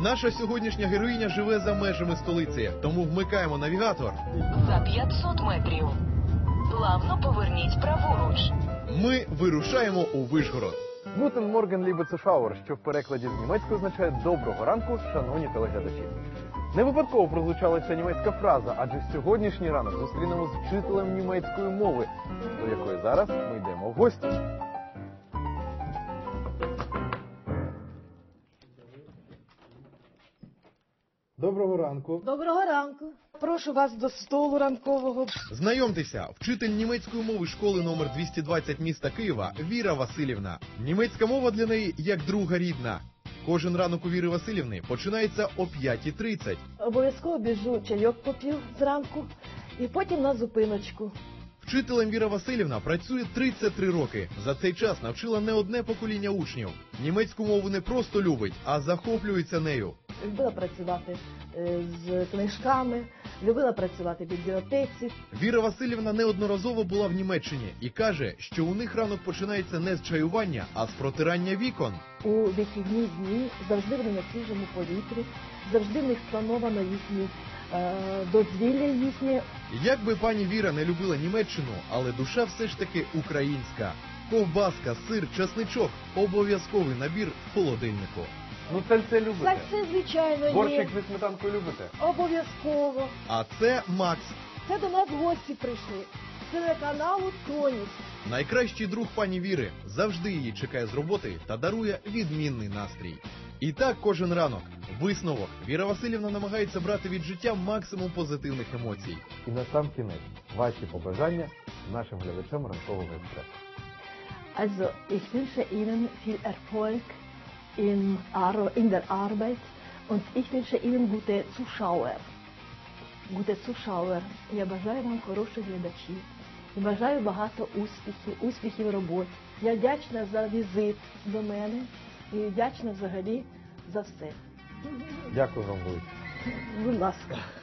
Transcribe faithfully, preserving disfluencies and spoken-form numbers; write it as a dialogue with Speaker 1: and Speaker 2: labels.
Speaker 1: Наша сьогоднішня героїня живе за межами столиці, тому вмикаємо навігатор.
Speaker 2: За п'ятсот метрів. Плавно поверніть праворуч.
Speaker 1: Ми вирушаємо у Вишгород.
Speaker 3: Guten Morgen, liebe Zuschauer, що в перекладі з німецької означає «доброго ранку, шановні телеглядачі». Не випадково прозвучала ця німецька фраза, адже сьогоднішній ранок зустрінемо з вчителем німецької мови, до якої зараз ми йдемо в гості.
Speaker 4: Доброго ранку.
Speaker 5: Доброго ранку. Прошу вас до столу ранкового.
Speaker 1: Знайомтеся, вчитель німецької мови школи номер двісті двадцять міста Києва Віра Василівна. Німецька мова для неї як друга рідна. Кожен ранок у Віри Василівни починається о п'ятій тридцять.
Speaker 5: Обов'язково біжу, чайок попів зранку і потім на зупиночку.
Speaker 1: Вчителем Віра Василівна працює тридцять три роки. За цей час навчила не одне покоління учнів. Німецьку мову не просто любить, а захоплюється нею.
Speaker 5: Любила працювати з книжками, любила працювати в бібліотеці.
Speaker 1: Віра Василівна неодноразово була в Німеччині і каже, що у них ранок починається не з чаювання, а з протирання вікон.
Speaker 5: У вихідні дні завжди вони на свіжому повітрі, завжди в них сплановано їхні е, дозвілля їхнє.
Speaker 1: Як би пані Віра не любила Німеччину, але душа все ж таки українська. Ковбаска, сир, часничок – обов'язковий набір в холодильнику.
Speaker 3: Ну це любите?
Speaker 5: Так це, звичайно, є.
Speaker 3: Борщик зі сметанкою любите?
Speaker 5: Обов'язково.
Speaker 1: А це Макс.
Speaker 5: Це до нас гості прийшли. З телеканалу «Тоніс».
Speaker 1: Найкращий друг пані Віри, завжди її чекає з роботи та дарує відмінний настрій. І так кожен ранок. Висновок. Віра Василівна намагається брати від життя максимум позитивних емоцій.
Speaker 3: І на сам кінець, ваші побажання нашим глядачам ранкового експресу.
Speaker 5: Also, ich wünsche Ihnen viel Erfolg in, Ar in der Arbeit und ich wünsche Ihnen gute Zuschauer. Gute Zuschauer. Я бажаю вам хороших глядачів. І бажаю багато успіхів, успіхів в роботі. Я вдячна за візит до мене і вдячна взагалі за все.
Speaker 3: Дякую вам велике.
Speaker 5: Будь ласка.